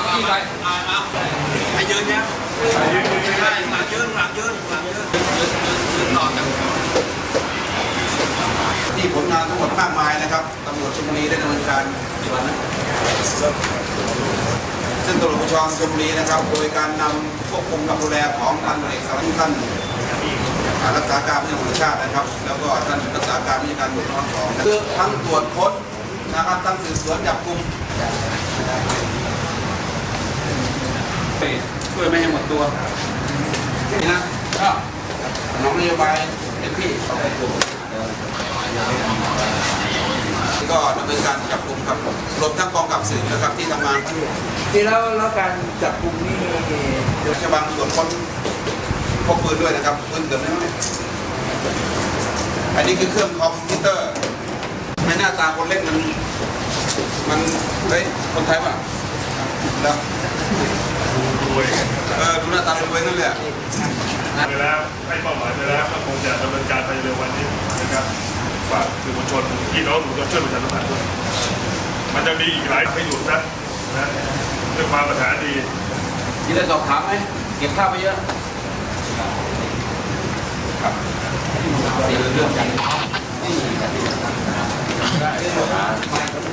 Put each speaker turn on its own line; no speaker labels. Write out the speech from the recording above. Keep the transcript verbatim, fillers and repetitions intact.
ที่ไปให้ยืนเนี่ยใช่หลังยืนหลังยืนหลังยืนยืนต่อกันที่ผลงานทั้งหมดมากมายนะครับตำรวจชลบุรีได้ดำเนินการกี่วันนะซึ่งตำรวจภูธรชลบุรีนะครับโดยการนำควบคุมกับดูแลของท่านเอกสารท่านรักษาการผู้บัญชาการชาตินะครับแล้วก็ท่านรักษาการผู้จัดการตำรวจนครสองคือทั้งตรวจค้นนะครับทั้งสืบสวนจับกุมช่วยไม่ให้หมดตัวนี่นะก็น้องนโยบายเต็มที่ก็ดำเนินการจับกุมครับรวมทั้งกองกับสื่อนะครับที่ทำงาน
ที่แล้วแล้วการจับกุมนี่
โดยเฉพาะตรวจค้นพกปืนด้วยนะครับปืนเกิดไม่ไหมอันนี้คือเครื่องคอมพิวเตอร์ไม่หน้าตาคนเล่นมันมันเฮ้ยคนไทยป่ะแล้ว
รวย
เออดูหน้าตารวยนั่นแหละ
ไปแล้วให้เป้าหมายไปแล้วก็คงจะดำเนินการไปเร็ววันนี้นะครับฝากสื่อมวลชนพี่น้องหนูจะช่วยประชาสัมพันธ์ด้วยมันจะมีอีกหลายไม่หยุดนะนะเรื่องความประสานดี
ที่ได้สอบถามไหมเก็บข้าวไปเยอะครับเรื่องใหญ่